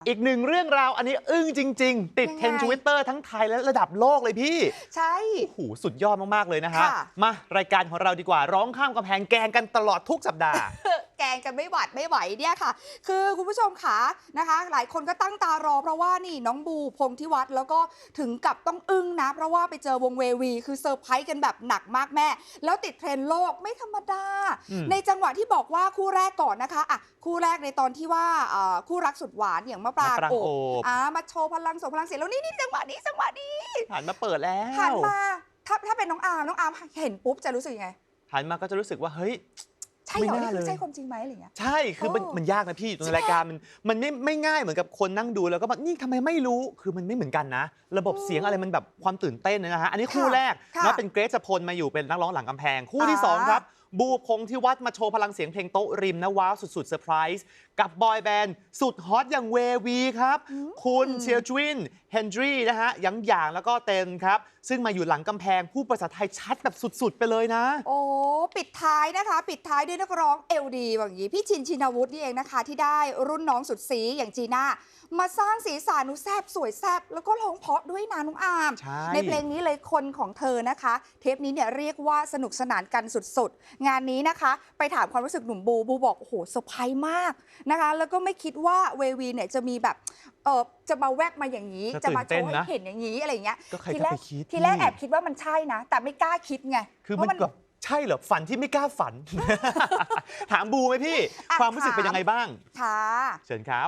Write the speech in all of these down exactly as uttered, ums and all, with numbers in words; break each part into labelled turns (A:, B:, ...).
A: อีกหนึ่งเรื่องราวอันนี้อึ้งจริงๆ ติดเทรนด์ทวิตเตอร์ทั้งไทยและระดับโลกเลยพี่
B: ใช่
A: โอ้โหสุดยอดมากๆเลยนะฮะมารายการของเราดีกว่าร้องข้ามกำแพงแกงกันตลอดทุกสัปดาห์
B: แกงกันไม่หวัดไม่ไหวเนี่ยค่ะคือคุณผู้ชมขานะคะหลายคนก็ตั้งตารอเพราะว่านี่น้องบูพงษ์ธิวัฒน์แล้วก็ถึงกับต้องอึ้งนะเพราะว่าไปเจอวงเววีคือเซอร์ไพรส์กันแบบหนักมากแม่แล้วติดเทรนด์โลกไม่ธรรมดาในจังหวะที่บอกว่าคู่แรกก่อนนะคะอ่ะคู่แรกในตอนที่ว่าคู่รักสุดหวานอย่างมะปรางโอบอ่ามาโชว์พลังส่งพลังเสียงแล้วนี่นี่จังหวะนี้จังหวะนี้
A: หันมาเปิดแล้ว
B: หันมาถ้าถ้าเป็นน้องอาร์มน้องอาร์มเห็นปุ๊บจะรู้สึกยังไง
A: หันมาก็จะรู้สึกว่าเฮ้ย
B: ใช่เหรอนี่คือใช่ความจริงไหมอะไรเงี้ย
A: ใช่คือมันมันยากนะพี่ในรายการมันมันไม่ไม่ง่ายเหมือนกับคนนั่งดูแล้วก็แบบนี่ทำไมไม่รู้คือมันไม่เหมือนกันนะระบบเสียงอะไรมันแบบความตื่นเต้นนะฮะอันนี้คู่แรกนะเป็นเกรซพลมาอยู่เป็นนักร้องหลังกำแพงคู่ที่สองครับบูพงษ์ธิวัฒน์มาโชว์พลังเสียงเพลงโต๊ะริมนะว้าวสุดๆเซอร์ไพรส์กับบอยแบนด์สุดฮอตอย่างเววีครับคุณเชียร์จวินเฮนดรีนะฮะยังหยางแล้วก็เต็นครับซึ่งมาอยู่หลังกำแพงผู้ภาษาไทยชัดแบบสุดๆไปเลยนะ
B: โอ้ปิดท้ายนะคะปิดท้ายด้วยนักร้องเอลดีแบบนี้พี่ชินชินวุฒินี่เองนะคะที่ได้รุ่นน้องสุดสีอย่างจีน่ามาสร้างสีสันนุแซบสวยแซบแล้วก็ร้องเพราะด้วยนะน้องอาร์ม
A: ใ,
B: ในเพลงนี้เลยคนของเธอนะคะเทปนี้เนี่ยเรียกว่าสนุกสนานกันสุดๆงานนี้นะคะไปถามความรู้สึกหนุ่มบูบูบอกโอ้โหเซอร์ไพรส์มากนะคะแล้วก็ไม่คิดว่าเววีเนี่ยจะมีแบบเออจะมาแวกมาอย่างนี้จะมาโชว์ให้เห็นอย่างนี้อะไรอย่างเงี้ย
A: ทีแรก
B: ทีแรกแอบคิดว่ามันใช่นะแต่ไม่กล้าคิดไง
A: คือมันแบบใช่เหรอฝันที่ไม่กล้าฝัน ถามบูไหมพี่ความรู้สึกเป็นยังไงบ้าง
B: ค่ะ
A: เชิญครับ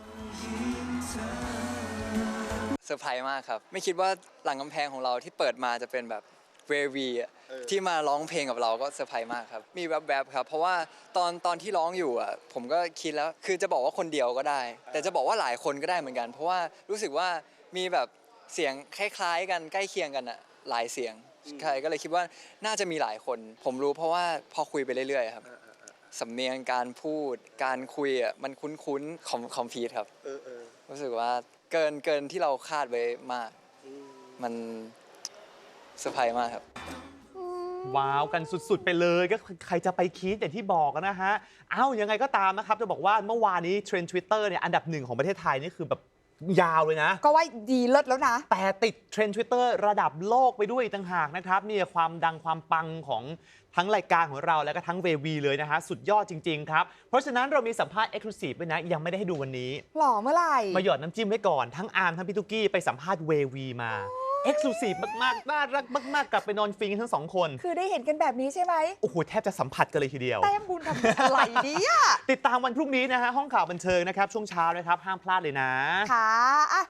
C: เซอร์ไพรส์มากครับไม่คิดว่าหลังกำแพงของเราที่เปิดมาจะเป็นแบบเววีที่มาร้องเพลงกับเราก็เซอร์ไพรส์มากครับมีแวบๆครับเพราะว่าตอนตอนที่ร้องอยู่อ่ะผมก็คิดแล้วคือจะบอกว่าคนเดียวก็ได้ แต่จะบอกว่าหลายคนก็ได้เหมือนกันเพราะว่ารู้สึกว่ามีแบบเสียงคล้ายๆกันใกล้เคียงกันอ่ะหลายเสียงใช่ก็เลยคิดว่าน่าจะมีหลายคนผมรู้เพราะว่าพอคุยไปเรื่อยๆครับสำเนียงการพูดการคุยอ่ะมันคุ้นๆคอมคอมพีทครับรู้สึกว่าเกินเกินที่เราคาดไว้มากมันเซอร์ไพรส์มากครับ
A: ว้าวกันสุดๆไปเลยก็ใครจะไปคิดอย่างที่บอกนะฮะเอ้ายังไงก็ตามนะครับจะบอกว่าเมื่อวานนี้เทรนด์ Twitter เนี่ยอันดับหนึ่งของประเทศไทยนี่คือแบบยาวเลยนะ
B: ก็ว่าดีเลิศแล้วนะ
A: แต่ติดเทรนด์ Twitter ระดับโลกไปด้วยต่างหากนะครับนี่ความดังความปังของทั้งรายการของเราและก็ทั้งเววีเลยนะฮะสุดยอดจริงๆครับเพราะฉะนั้นเรามีสัมภาษณ์ Exclusive ด้วยนะยังไม่ได้ให้ดูวันนี้
B: หล่อเมื่อไหร่
A: มาหยอดน้ำจิ้มไว้ก่อนทั้งอาร์มทั้งพี่ตุ๊กกี้ไปสัมภาษณ์เววีมาเอ็กซ์คลูซีฟมากๆน่ารักมากๆกลับไปนอนฟิงทั้งสองคน
B: คือได้เห็นกันแบบนี้ใช่ไหม
A: โอ้โหแทบจะสัมผัสกันเลยทีเดียว
B: แต้มบุญทำอะไรเนี่ย
A: ติดตามวันพรุ่งนี้นะฮะห้องข่าวบันเทิงนะครับช่วงเช้านะครับห้ามพลาดเลยนะ
B: ค่ะ